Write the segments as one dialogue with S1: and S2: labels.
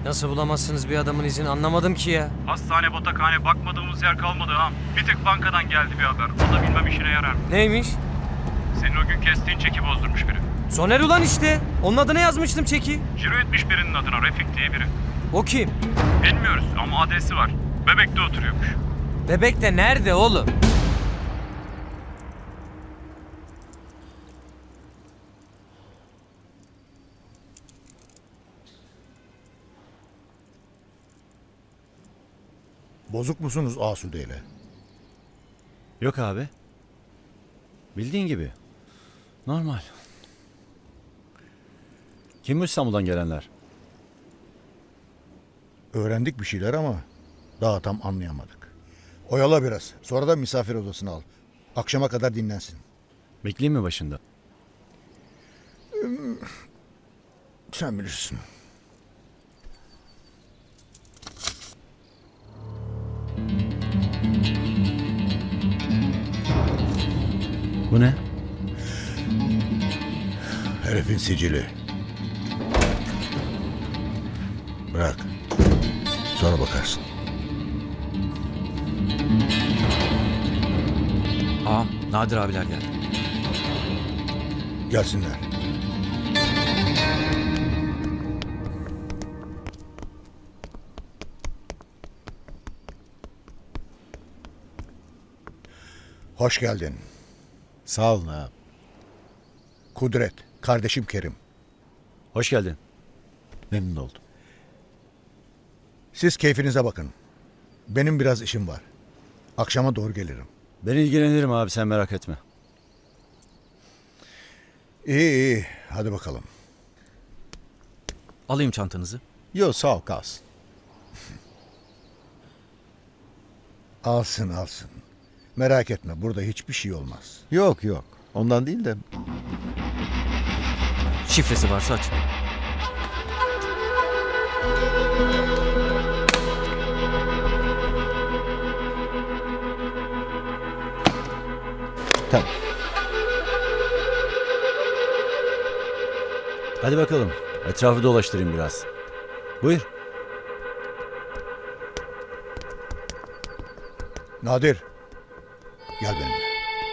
S1: Nasıl bulamazsınız bir adamın izini anlamadım ki ya.
S2: Hastane, batakhane bakmadığımız yer kalmadı ha. Bir tek bankadan geldi bir haber. O da bilmem işine yarar mı?
S1: Neymiş?
S2: Senin o gün kestiğin çeki bozdurmuş biri.
S1: Soner ulan işte. Onun adına yazmıştım çeki.
S2: Ciro etmiş birinin adına, Refik diye biri.
S1: O kim?
S2: Bilmiyoruz ama adresi var. Bebek'te oturuyormuş.
S1: Bebek de nerede oğlum?
S3: Bozuk musunuz Asude ile?
S4: Yok abi. Bildiğin gibi. Normal. Kim bu İstanbul'dan gelenler?
S3: Öğrendik bir şeyler ama daha tam anlayamadık. Oyala biraz. Sonra da misafir odasına al. Akşama kadar dinlensin.
S4: Bekleyeyim mi başında?
S3: Sen bilirsin.
S4: Bu ne?
S3: Herifin sicili. Bırak. Sonra bakarsın.
S5: Ağam, Nadir abiler geldi.
S3: Gelsinler. Hoş geldin.
S4: Sağ olun abi.
S3: Kudret, kardeşim Kerim.
S4: Hoş geldin. Memnun oldum.
S3: Siz keyfinize bakın. Benim biraz işim var. Akşama doğru gelirim.
S4: Ben ilgilenirim abi, sen merak etme.
S3: İyi. Hadi bakalım.
S5: Alayım çantanızı.
S4: Yok sağ ol, kalsın.
S3: Alsın. Merak etme, burada hiçbir şey olmaz.
S6: Yok. Ondan değil de
S5: Şifresi varsa aç.
S6: tamam.
S4: Hadi bakalım. Etrafı dolaştırayım biraz. Buyur.
S3: Nadir, gel benimle.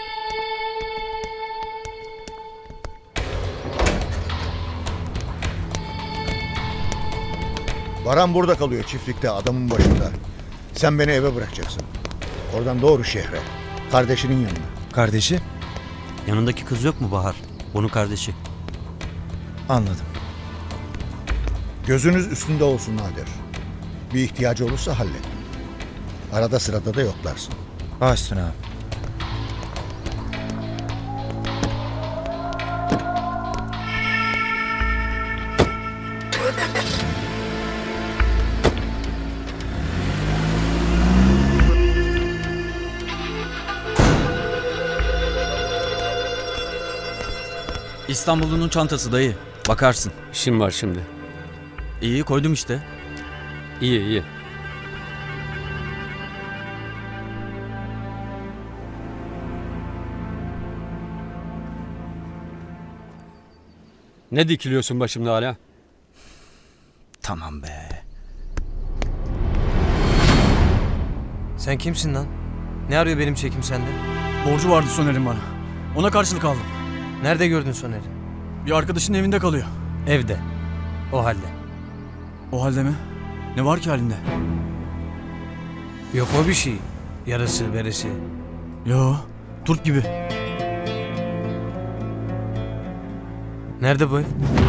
S3: Baran burada kalıyor çiftlikte adamın başında. Sen beni eve bırakacaksın. Oradan doğru şehre. Kardeşinin yanına.
S7: Kardeşi?
S5: Yanındaki kız yok mu Bahar? Onun kardeşi.
S7: Anladım.
S3: Gözünüz üstünde olsun Nadir. Bir ihtiyacı olursa hallet. Arada sırada da yoklarsın.
S7: Baş üstüne abi.
S5: İstanbul'un çantası dayı. Bakarsın.
S8: İşim var şimdi.
S5: İyi koydum işte.
S8: İyi. Ne dikiliyorsun başımda hala?
S5: Tamam be.
S1: Sen kimsin lan? Ne arıyor benim çekim sende?
S9: Borcu vardı Soner'in bana. Ona karşılık aldım.
S1: Nerede gördün Soner'i?
S9: Bir arkadaşının evinde kalıyor.
S1: Evde. O halde.
S9: O halde mi? Ne var ki halinde?
S1: Yok o bir şey. Yarısı beresi.
S9: Yo, turp gibi.
S1: Nerede bu ev?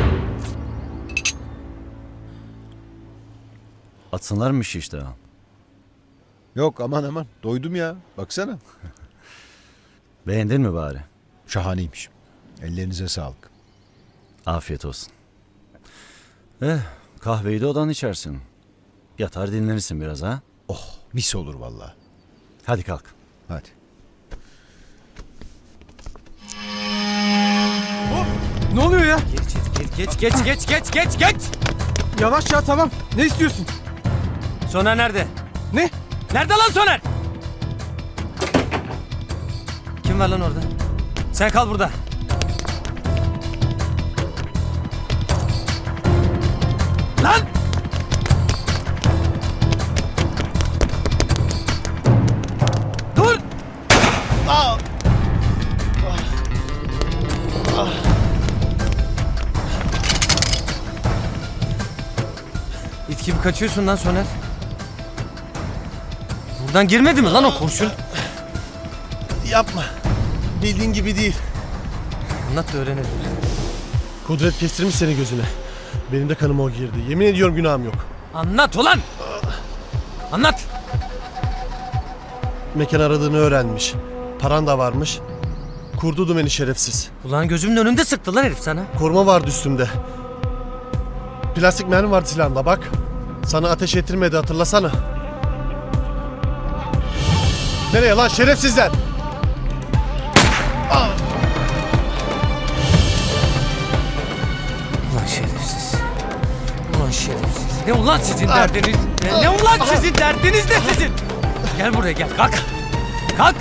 S4: Atsınlar mı işi işte ha?
S6: Yok aman. Doydum ya. Baksana.
S4: Beğendin mi bari?
S6: Şahaneymiş. Ellerinize sağlık.
S4: Afiyet olsun. Kahveyi de odan içersin. Yatar dinlenirsin biraz ha.
S6: Oh mis olur vallahi.
S4: Hadi kalk.
S6: Hadi.
S9: Ne oluyor ya?
S1: Geç.
S9: Yavaş ya, tamam. Ne istiyorsun?
S1: Soner nerede?
S9: Ne?
S1: Nerede lan Soner? Kim var lan orada? Sen kal burada. Lan! İt gibi kaçıyorsun lan Soner. Buradan girmedi mi lan o kurşun?
S10: Yapma. Bildiğin gibi değil.
S1: Anlat da öğrenelim.
S10: Kudret kestirmiş seni gözüne. Benim de kanıma o girdi. Yemin ediyorum günahım yok.
S1: Anlat ulan! Anlat!
S10: Mekan aradığını öğrenmiş. Paran da varmış. Kurdu beni şerefsiz.
S1: Ulan gözümün önünde sıktı lan herif sana.
S10: Koruma vardı üstümde. Plastik mermi vardı silahımda bak. Sana ateş ettirmedi hatırlasana. Nereye lan şerefsizler?
S1: Ulan şerefsiz. Ulan şerefsiz. Ne ulan sizin derdiniz? Ne ulan sizin derdiniz ne sizin? Gel buraya gel kalk. Kalk.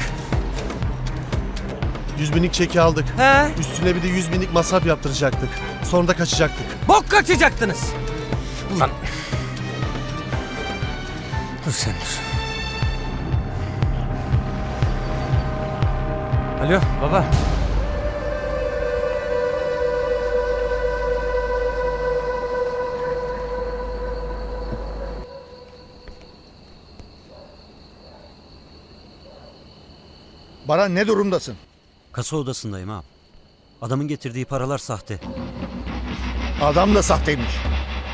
S10: 100 binlik çeki aldık.
S1: He?
S10: Üstüne bir de 100 binlik masraf yaptıracaktık. Sonra da kaçacaktık.
S1: Bok kaçacaktınız. Ulan. Dur sen dur. Alo baba.
S3: Baran ne durumdasın?
S5: Kasa odasındayım ağam. Adamın getirdiği paralar sahte.
S3: Adam da sahteymiş.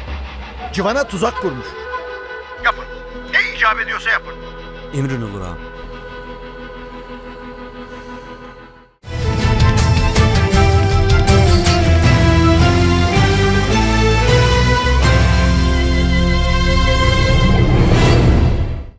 S3: Civan'a tuzak kurmuş. Yapın. Ne icap ediyorsa yapın.
S5: Emrin olur ağam.